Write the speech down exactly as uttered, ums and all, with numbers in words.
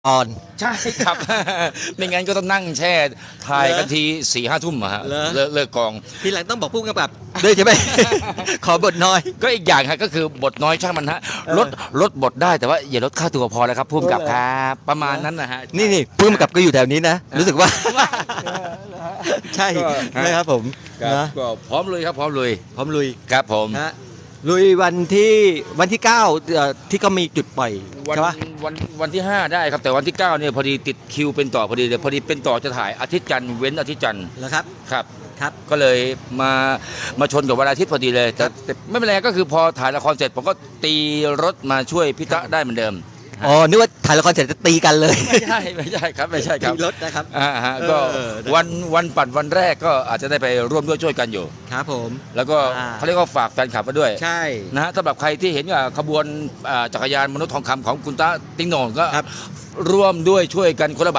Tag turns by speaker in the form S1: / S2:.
S1: ออน
S2: ใช่ครับ ไม่งั้นก็ต้องนั่งแช่ถ่ายกันทีสี่ห้าทุ่มอะฮะ
S1: เหรอ
S2: เลิกเลิกกอง
S1: ทีหลังต้องบอกผู้กำกับด้วยใช่ไหม ขอบทน้อย
S2: ก็อีกอย่างฮะก็คือบทน้อยช่างมันฮะ
S1: เออ
S2: ลดลดบทได้แต่ว่าอย่าลดค่าตัวพอแล้วครับพุ่มกับ
S1: เออ
S2: ครับประมาณนั้นนะฮะ
S1: นี่นี่ผู้กำกับก็อยู่แถวนี้นะ รู้สึกว่า ใช่
S2: ก็ฮะ
S1: นะครับผม
S2: ครับ
S1: นะ
S2: ก็พร้อมเลยครับพร้อมเลย
S1: พร้อมลุย
S2: ครับผม
S1: นะลุยวันที่วันที่เก้าเอ่อที่ก็มีจุดปล่อย
S2: วัน
S1: ใช่ปะ
S2: วันวันที่ห้าได้ครับแต่วันที่เก้าเนี่ยพอดีติดคิวเป็นต่อพอดีเลยพอดีเป็นต่อจะถ่ายอาทิตย์จันทร์เว้นอาทิตย์จันทร์
S1: แล้วครับ
S2: ครับ
S1: ครับ
S2: ก็เลยมามาชนกับวันอาทิตย์พอดีเลยแต่แต่ไม่เป็นไรก็คือพอถ่ายละครเสร็จผมก็ตีรถมาช่วยพี่ตะได้เหมือนเดิม
S1: อ๋อนึกว่าถ่ายละครเสร็จจะตีกันเลย
S2: ไม่ใช่ไม่ใช่ครับไม่ใช่ครับ
S1: ตีรถนะครับ
S2: อ่าฮะ
S1: เออ
S2: ก็
S1: เออ
S2: วันวันปัดวันแรกก็อาจจะได้ไปร่วมด้วยช่วยกันอยู่
S1: ครับผม
S2: แล้วก็
S1: อ่า
S2: เขาเรียกว่าฝากแฟนคลับมาด้วย
S1: ใช่
S2: นะฮะสำหรับใครที่เห็นว่าขบวนอ่าจักรยานมนุษย์ทองคำของคุณตาติ้งโหน่งก็
S1: ครับ
S2: ร่วมด้วยช่วยกันคนละ